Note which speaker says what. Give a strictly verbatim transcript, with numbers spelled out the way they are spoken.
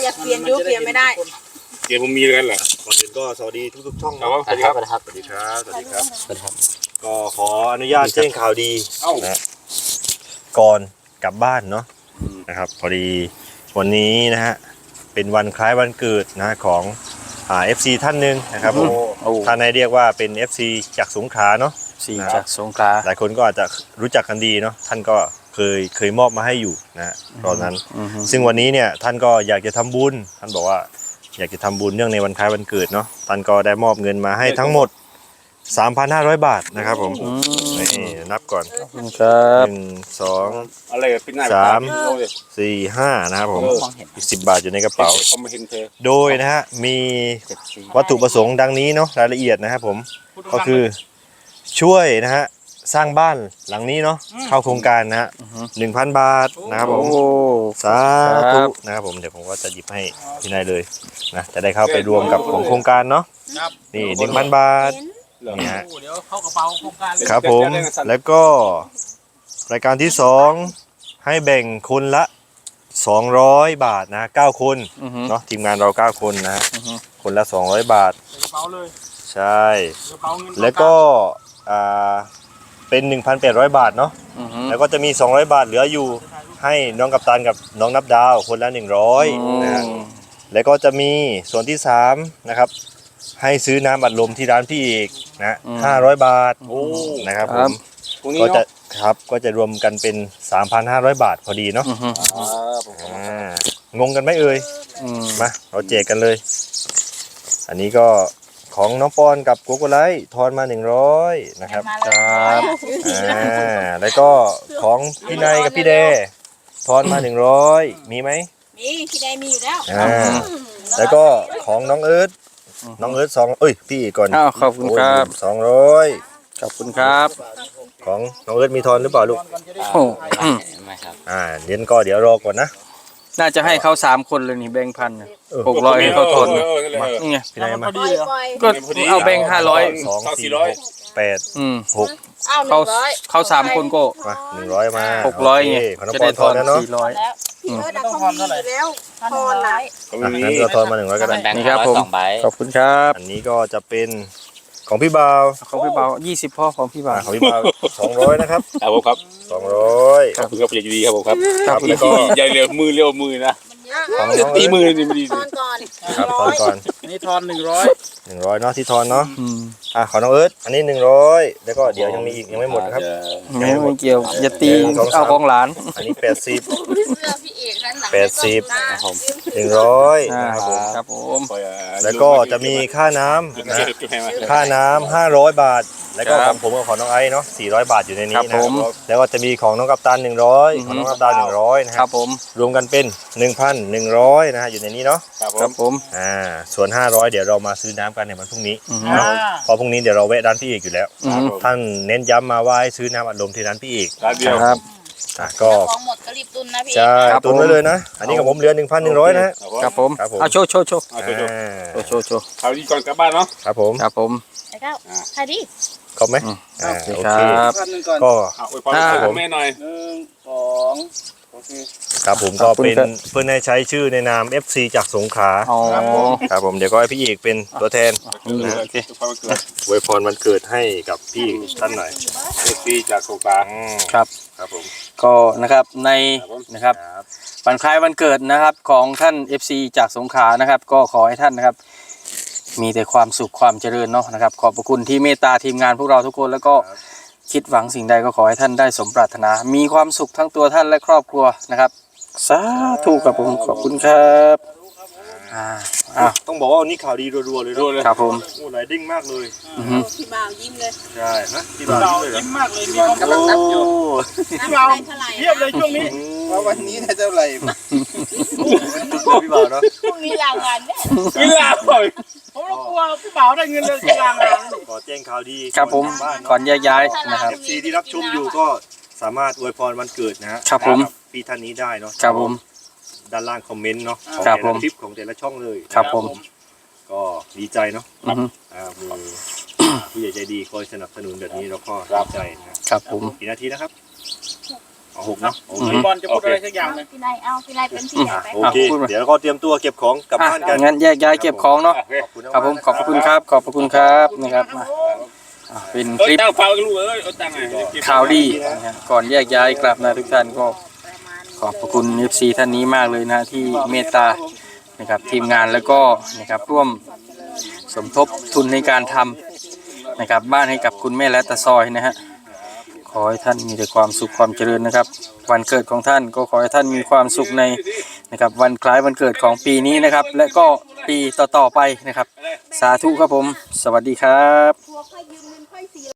Speaker 1: ากเปลี่ยนดูเปลี่ยนไม่ได้
Speaker 2: เดี๋ยวผมมีกันเหรอ
Speaker 3: ก่อนอื่นก็สวัสดีทุกๆช่อง
Speaker 2: ครับ
Speaker 3: สวัสดีครับสวัสดีครับสวัสดีครับสวัสดีครับก็ขออนุญาตแจ้งข่าวดีนะก่อนกลับบ้านเนาะนะครับพอดีวันนี้นะฮะเป็นวันคล้ายวันเกิดนะของอ่า เอฟ ซี ท่านหนึ่งนะครับผมท่านให้เรียกว่าเป็น เอฟ ซี จากสงขลาเนาะ
Speaker 4: ซีจากสงขลา
Speaker 3: หลายคนก็อาจจะรู้จักกันดีเนาะท่านก็เคยเคยมอบมาให้อยู่นะตอนนั้นซึ่งวันนี้เนี่ยท่านก็อยากจะทำบุญท่านบอกว่าอยากจะทำบุญเนื่องในวันคล้ายวันเกิดเนาะท่านก็ได้มอบเงินมาให้ทั้งหมด สามพันห้าร้อย บาทนะครับผมนี่นับก่อน
Speaker 4: ครับ
Speaker 3: หนึ่ง สอง
Speaker 2: อะไรเป็นหน้า
Speaker 3: สาม สี่ ห้านะครับผมอีกสิบบาทอยู่ในกระเป๋าโดยนะฮะมีวัตถุประสงค์ดังนี้เนาะรายละเอียดนะครับผมก็คือช่วยนะฮะสร้างบ้านหลังนี้เนาะเข้าโครงการนะฮะหนึ่งพันบาทนะครับผมสาธุนะครับผมเดี๋ยวผมก็จะหยิบให้พี่นายเลยนะจะได้เข้าไปรวมกับของโครงการเนาะนี่หนึ่งพันบาทนี่ฮะครับผมแล้วก็รายการที่สองให้แบ่งคนละสองร้อยบาทนะเก้าคนเนาะทีมงานเราเก้าคนนะฮะคนละสองร้อยบาทใช่แล้วก็อ่าเป็น หนึ่งพันแปดร้อย บาทเนาะแล้วก็จะมีสองร้อยบาทเหลืออยู่ให้น้องกัปตันกับน้องนับดาวคนละหนึ่งร้อยนะแล้วก็จะมีส่วนที่สามนะครับให้ซื้อน้ำอัดลมที่ร้านพี่เอกนะห้าร้อยบาทนะครับผมก็จะครับก็จะรวมกันเป็น สามพันห้าร้อย บาทพอดีเนาะงงกันไหมเอ่ยมาเราแจกกันเลยอันนี้ก็ของน้องปอนกับโกโกไลท์ทอนมาหนึ่งร้อยนะครับครับอ่าแล้วก็ของพี่นายกับพี่เดทอนมาหนึ่งร้อยมีไหม
Speaker 1: มีพี่เดมีอยู่แล้ว
Speaker 3: อ่าแล้วก็ของน้องเอิร์ธน้องเอิร์ธสองเอ้ยพี่ก่อน
Speaker 4: อ้าวขอบคุณครับ
Speaker 3: สองร้อย
Speaker 4: ขอบคุณครับ
Speaker 3: ของน้องเอิร์ธมีทอนหรือเปล่าลูก
Speaker 4: โอ้
Speaker 3: ไม่ครับอ่าเดี๋ยวก็เดี๋ยวรอก่อนนะ
Speaker 4: น่าจะให้เขาสามคนเลยนี่แบงค์พันหกร้อยให้เขาทอนนี่ไง
Speaker 3: พี่นายมา
Speaker 4: ก็เอาแบงค์ห้าร้อย
Speaker 3: สองสี่ร้อยแปดหก
Speaker 4: เขาเขาสามคนก็
Speaker 3: มาหนึ่งร้อยมา
Speaker 4: หกร้อยไง
Speaker 3: จะได้ทอนแล้วเนาะ
Speaker 1: สี่ร้อยพี่เอิร์ธต้องทอนเท่าไหร่แล้วทอนหลาย
Speaker 3: งั้นเราทอนมาหนึ่งร้อยก็ได้
Speaker 4: นี่ครับผมขอบคุณครับ
Speaker 3: อันนี้ก็จะเป็นของพี่บ่าว
Speaker 4: ของพี่บ่าวยี่สิบพ่อของพี่บ่าว
Speaker 3: ของพี่บ่าวสองร้อยนะครับ
Speaker 2: ครับผมครับ
Speaker 3: สองร้อย
Speaker 2: ขอบคุณครับดีครับผมครับครับแล้วก็ใหญ่เร็วมือเร็วมือนะจะตีมือนี่ไม่ดี
Speaker 1: ทอนก่อน
Speaker 3: ครับทอนก่อน
Speaker 4: นี่ทอนหนึ่งร้อย
Speaker 3: หนึ่งร้อยเนาะที่ทอนเนาะอ่ะขอน้องเอิร์ธอันนี้หนึ่งร้อยแล้วก็เดี๋ยวยังมีอีกยังไม่หมดนะครับ
Speaker 4: ยังไม่เกี่ยวอย่าตีเอาของหลาน
Speaker 3: อันนี้แปดสิบแปดสิบหนึ่งร้อยนะครับผม
Speaker 4: ครับผม
Speaker 3: แล้วก็จะมีค่าน้ำนะค่าน้ำห้าร้อยบาทแล้วก็ของผมกับของน้องไอซ์เนาะสี่ร้อยบาทอยู่ในนี้นะแล้วก็จะมีของน้องกัปตันหนึ่งร้อยของน้องกัปตันหนึ่งร้อยนะครับผมรวมกันเป็นหนึ่งพันหนึ่งร้อยนะฮะอยู่ในนี้เนาะ
Speaker 4: ครับผม
Speaker 3: อ่าส่วนห้าร้อยเดี๋ยวเรามาซื้อน้ำกันในวันพรุ่งนี้เพราะพรุ่งนี้เดี๋ยวเราแวะร้านพี่เอกอยู่แล้วท่านเน้นย้ำมาว่าให้ซื้อน้ำอัดลมที่ร้านพี่เอก
Speaker 4: ครับ
Speaker 3: ก็
Speaker 1: ของหมดก็รีบตุนนะพี่
Speaker 3: ใช่ตุนไว้เลยนะอันนี้กับผมเหลือหนึ่งพันหนึ่งร้อยนะครับ
Speaker 4: ผมเอาโชว์โชว์โชว์โชว์โชว์
Speaker 2: เอาดีก่อนกลับบ้านเนาะ
Speaker 3: ครับผม
Speaker 4: ครับผม
Speaker 1: ไอ้เก้าใครดี
Speaker 3: ครบไหม
Speaker 4: โอเคครับ
Speaker 3: ก็
Speaker 2: ครับผมแม่หน่อยหนึ่งสองโอเค
Speaker 3: ครับผมก็เป็นเพื่อนให้ใช้ชื่อในนาม เอฟ ซี จากสงขลาครับผมเดี๋ยวก็ให้พี่เอกเป็นตัวแทนอวยพรวันเกิดให้กับพี่ท่านหน่อย
Speaker 2: เอฟ ซี จากสงขลา
Speaker 4: ครับ
Speaker 3: ครับผม
Speaker 4: ก็นะครับในนะครับวันคล้ายวันเกิดนะครับของท่าน เอฟ ซี จากสงขลานะครับก็ขอให้ท่านนะครับมีแต่ความสุขความเจริญเนาะนะครับขอบพระคุณที่เมตตาทีมงานพวกเราทุกคนแล้วก็คิดหวังสิ่งใดก็ขอให้ท่านได้สมปรารถนามีความสุขทั้งตัวท่านและครอบครัวนะครับสาธุครับผมขอบคุณครับอ่าอ่า
Speaker 3: ต้องบอกว่าวันนี้ข่าวดีรัวๆเลย
Speaker 2: เลย
Speaker 4: ครับผม
Speaker 3: โอ้ไหลดิ้งมากเลย
Speaker 1: พี่บ่าวยิ้มเลย
Speaker 3: ใช่ฮะพี่บ่าวยิ้ม
Speaker 2: มากเลยมีความกำลังนับอยู่
Speaker 1: พี่บ่าวเทียบเลยช่วงนี้
Speaker 3: ว่าวันนี้ได้เท่าไหร่พี่บ่าวเนาะ
Speaker 1: พรุ่งนี้ลางานแน่
Speaker 2: เวลาปล่อย
Speaker 1: ผมกลัวพี่บ่าวได้เงินเดือนลางาน
Speaker 3: ขอแจ้งข่าวดี
Speaker 4: ครับผมก่อนย้ายๆนะครับ
Speaker 3: เอฟ ซี ที่รับชมอยู่ก็สามารถอวยพรวันเกิดนะฮะ
Speaker 4: ครับผม
Speaker 3: พี่ท่านนี้ได้เนาะ
Speaker 4: ครับผม
Speaker 3: ด้านล่างคอมเมนต์เนาะของ
Speaker 4: แต่
Speaker 3: ละคลิปของแต่ละช่องเลย
Speaker 4: ครับผม
Speaker 3: ก็ดีใจเนาะอ่ามีผู้ใหญ่ใจดีคอยสนับสนุนแบบนี้เราก็ดีใจนะครับ
Speaker 4: ผม
Speaker 3: กี่นาทีนะครับ
Speaker 2: หกเนาะโอเค
Speaker 5: บอลจะพูดอะไรสักอย่างนึง
Speaker 1: พี่นายเอาพี่นายเป็นพี่ใหญ่ไป
Speaker 3: โอเค เดี๋ยวก็เตรียมตัวเก็บของกลับ
Speaker 4: อ่ะ
Speaker 3: บ้านกัน
Speaker 4: งั้นแยกย้ายเก็บของเนาะครับผมขอบพระคุณครับขอบพระคุณครับนะครับมาอ่ะเป็น
Speaker 2: เอ้
Speaker 4: ค
Speaker 2: ย
Speaker 4: ลิป
Speaker 2: ตั้งเฝ้าลูกเอ้ยเอาตั้งไง
Speaker 4: ข่าวดีนะฮะก่อนแยกย้ายกลับนะทุกท่านก็ขอบพระคุณ เอฟ ซี ท่านนี้มากเลยนะที่เมตตานะครับทีมงานแล้วก็นะครับร่วมสมทบทุนในการทำนะครับบ้านให้กับคุณแม่และตาซอยนะฮะขอให้ท่านมีแต่ความสุขความเจริญนะครับวันเกิดของท่านก็ขอให้ท่านมีความสุขในนะครับวันคล้ายวันเกิดของปีนี้นะครับและก็ปีต่อๆไปนะครับสาธุครับผมสวัสดีครับ